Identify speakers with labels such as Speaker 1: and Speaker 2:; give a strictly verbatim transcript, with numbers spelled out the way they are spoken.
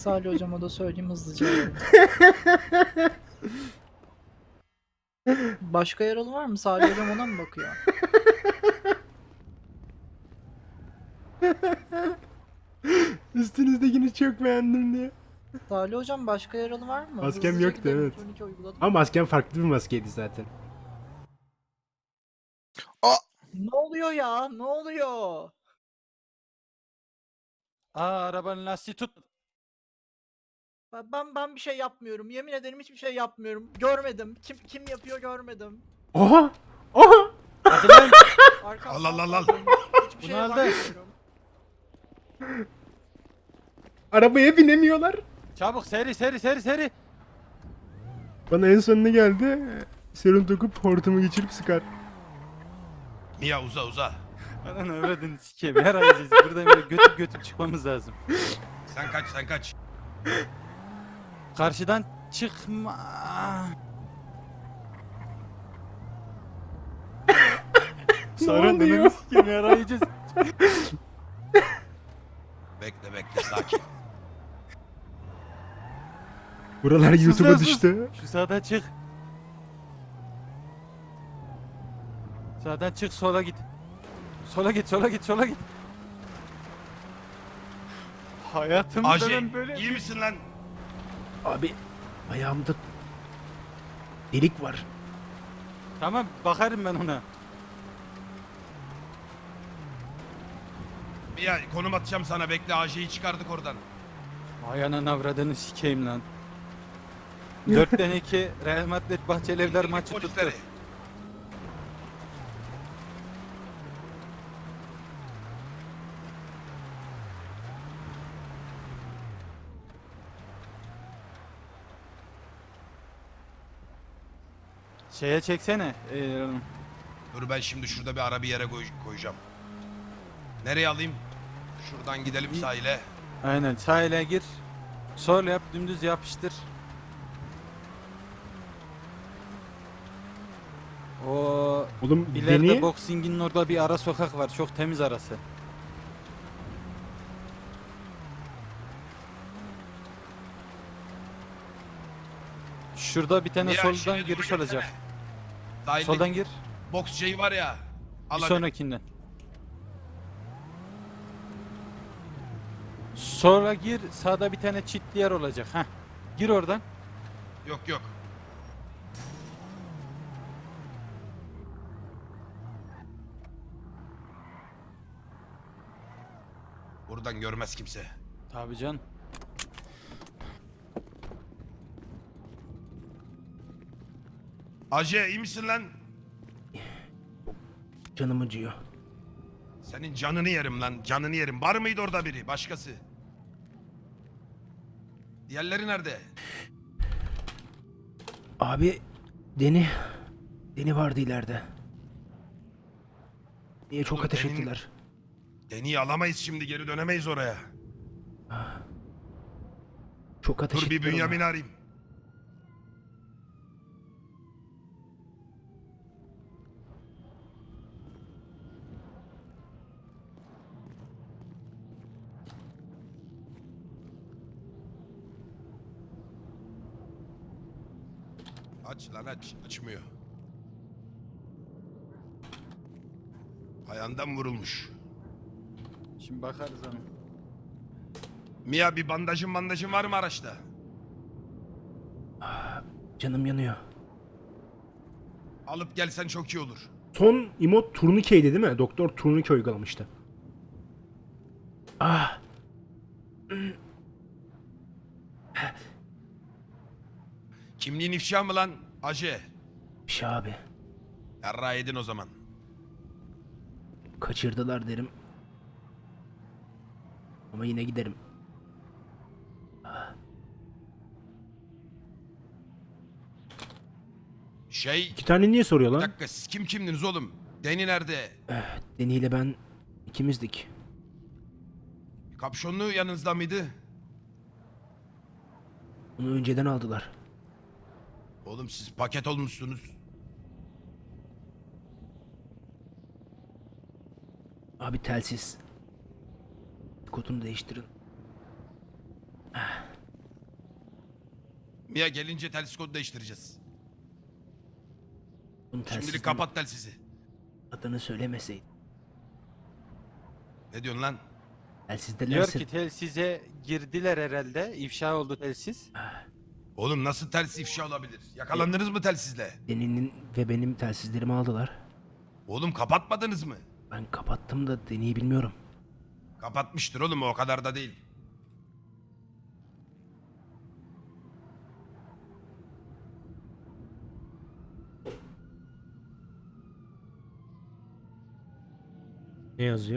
Speaker 1: Salih hocama da söyleyeyim hızlıca arayalım. Başka yaralı var mı? Salih hocam ona mı bakıyor?
Speaker 2: Üstünüzdekini çok beğendim diye.
Speaker 1: Salih hocam başka yaralı var mı?
Speaker 2: Maskem
Speaker 1: Hızlıca
Speaker 2: yoktu,
Speaker 1: gidelim.
Speaker 2: evet.
Speaker 1: Turnike uyguladım.
Speaker 2: Ama maskem farklı bir maskeydi zaten.
Speaker 1: Ne oluyor ya? Ne oluyor?
Speaker 3: Aa, arabanın lastiği tut.
Speaker 1: Ben ben ben bir şey yapmıyorum. Yemin ederim hiçbir şey yapmıyorum. Görmedim. Kim kim yapıyor görmedim.
Speaker 2: Oha! Oha!
Speaker 3: Hadi lan.
Speaker 1: Arkamdan
Speaker 4: Al, al, al, al.
Speaker 1: saldım. Hiçbir
Speaker 3: Bunu
Speaker 1: şeye
Speaker 3: aldı.
Speaker 1: bakmıyorum.
Speaker 2: Arabaya binemiyorlar.
Speaker 3: Çabuk seri seri seri seri.
Speaker 2: Bana en sonunda geldi. Serum dokup hortumu geçirip sıkar.
Speaker 4: Mia uza uza.
Speaker 3: Anan avradını sikeyim. Her ayacağız. Buradan böyle götüp götüp çıkmamız lazım.
Speaker 4: Sen kaç sen kaç.
Speaker 3: Karşıdan çıkma. Sarı
Speaker 2: oluyor?
Speaker 3: ananı sikeyim. Her ayacağız.
Speaker 4: Bekle bekle sakin.
Speaker 2: Buralar
Speaker 3: Sus
Speaker 2: YouTube'a
Speaker 3: lan, sus.
Speaker 2: düştü.
Speaker 3: Şu sağdan çık. Sağdan çık, sola git. Sola git, sola git, sola git. Hayatımda
Speaker 4: Aji
Speaker 3: ben böyle...
Speaker 4: iyi misin lan?
Speaker 2: Abi ayağımda delik var.
Speaker 3: Tamam, bakarım ben ona.
Speaker 4: Mia konum atacağım sana bekle. Aji'yi çıkardık oradan.
Speaker 3: Ay anan avradını sikeyim lan. Dörtten iki Real Madrid Bahçelievler maçı tuttu.
Speaker 4: Polisleri.
Speaker 3: Şeye çeksene. Ee,
Speaker 4: Dur ben şimdi şurada bir ara bir yere koy- koyacağım. Nereye alayım? Şuradan gidelim sahile.
Speaker 3: aynen sahile gir. Sol yap, dümdüz yapıştır. O
Speaker 2: Oğlum
Speaker 3: ileride
Speaker 2: beni
Speaker 3: boksingin orada bir ara sokak var. Çok temiz arası. Şurada bir tane
Speaker 4: Mia,
Speaker 3: soldan
Speaker 4: şimdi
Speaker 3: giriş
Speaker 4: dur,
Speaker 3: olacak.
Speaker 4: gelsene. Sahilde
Speaker 3: Soldan gir.
Speaker 4: boks şeyi var ya. Al
Speaker 3: Bir
Speaker 4: hadi.
Speaker 3: sonrakinden. Sonra gir, sağda bir tane çitli yer olacak. Heh. Gir oradan.
Speaker 4: Yok yok. Buradan görmez kimse.
Speaker 3: Tabii can.
Speaker 4: Aje iyi misin lan?
Speaker 2: canım acıyor.
Speaker 4: Senin canını yerim lan, canını yerim. Var mıydı orada biri, başkası? Diğerleri nerede?
Speaker 2: Abi Deni Deni vardı ileride. Niye çok
Speaker 4: Oğlum,
Speaker 2: ateş
Speaker 4: Deni'nin-
Speaker 2: ettiler.
Speaker 4: Deni'yi alamayız şimdi, geri dönemeyiz oraya.
Speaker 2: Çok ateş
Speaker 4: Dur bir
Speaker 2: ettiler ona.
Speaker 4: Bünyamin'i arayayım. Aç lan aç, açmıyor. Ayağından vurulmuş.
Speaker 3: Şimdi bakarız ona.
Speaker 4: Mia bir bandajın bandajın var mı araçta?
Speaker 2: Canım yanıyor.
Speaker 4: Alıp gelsen çok iyi olur.
Speaker 2: Son emot turnikeydi değil mi? Doktor turnike uygulamıştı. Ah.
Speaker 4: Kimliğin ifşa mı lan? Aje.
Speaker 2: Bir şey abi.
Speaker 4: Yarrağı yedin o zaman.
Speaker 2: Kaçırdılar derim. Ama yine giderim.
Speaker 4: Şey...
Speaker 2: İki tane niye soruyor
Speaker 4: Bir
Speaker 2: lan?
Speaker 4: dakika siz kim kimdiniz oğlum? Deni nerede?
Speaker 2: Deni ile ben ikimizdik.
Speaker 4: Kapşonlu yanınızda mıydı?
Speaker 2: Onu önceden aldılar.
Speaker 4: Oğlum siz paket olmuşsunuz.
Speaker 2: Abi telsiz. Kodunu değiştirin. Ah.
Speaker 4: Mia gelince telsiz kodu değiştireceğiz.
Speaker 5: Bunun
Speaker 4: Şimdilik
Speaker 5: telsizden
Speaker 4: kapat telsizi.
Speaker 5: adını söylemeseydin.
Speaker 4: Ne diyorsun lan?
Speaker 5: Telsizde
Speaker 3: Diyor
Speaker 5: neresi?
Speaker 3: ki telsize girdiler herhalde. İfşa oldu telsiz.
Speaker 4: Oğlum nasıl telsiz ifşa olabilir? Yakalandınız mı telsizle?
Speaker 5: Deni'nin ve benim telsizlerimi aldılar.
Speaker 4: Oğlum kapatmadınız mı?
Speaker 5: Ben kapattım da Deni'yi bilmiyorum.
Speaker 4: Kapatmıştır oğlum, o kadar da değil.
Speaker 2: Ne yazıyor?